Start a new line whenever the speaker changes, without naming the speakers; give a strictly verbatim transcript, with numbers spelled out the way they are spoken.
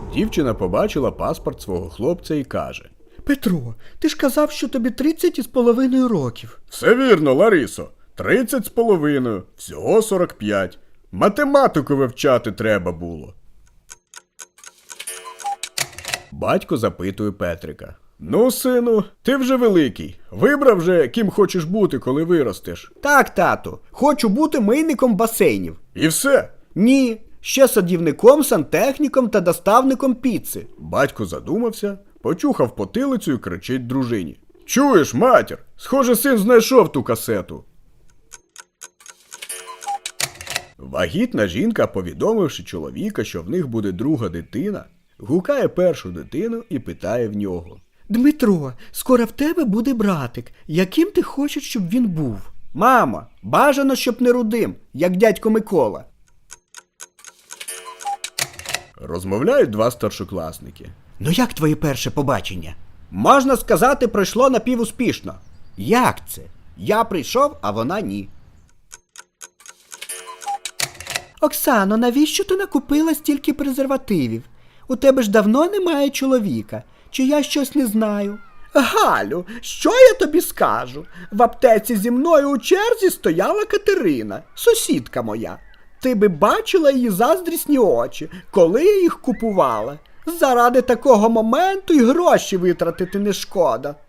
Дівчина побачила паспорт свого хлопця і каже:
Петро, ти ж казав, що тобі тридцять із половиною років.
Все вірно, Ларисо. Тридцять з половиною. Всього сорок п'ять. Математику вивчати треба було. Батько запитує Петрика: Ну, сину, ти вже великий. Вибрав вже, ким хочеш бути, коли виростеш?
Так, тату, хочу бути мийником басейнів.
І все?
Ні, ще садівником, сантехніком та доставником піци.
Батько задумався, почухав потилицю і кричить дружині: Чуєш, матір? Схоже, син знайшов ту касету. Вагітна жінка, повідомивши чоловіка, що в них буде друга дитина, гукає першу дитину і питає в нього:
Дмитро, скоро в тебе буде братик. Яким ти хочеш, щоб він був? Мамо, бажано, щоб не рудим, як дядько Микола.
Розмовляють два старшокласники.
Ну як твоє перше побачення? Можна сказати, пройшло напівуспішно. Як це? Я прийшов, а вона ні. Оксано, навіщо ти накупила стільки презервативів? У тебе ж давно немає чоловіка. Чи я щось не знаю? Галю, що я тобі скажу? В аптеці зі мною у черзі стояла Катерина, сусідка моя. Ти би бачила її заздрісні очі, коли я їх купувала. Заради такого моменту й гроші витратити не шкода.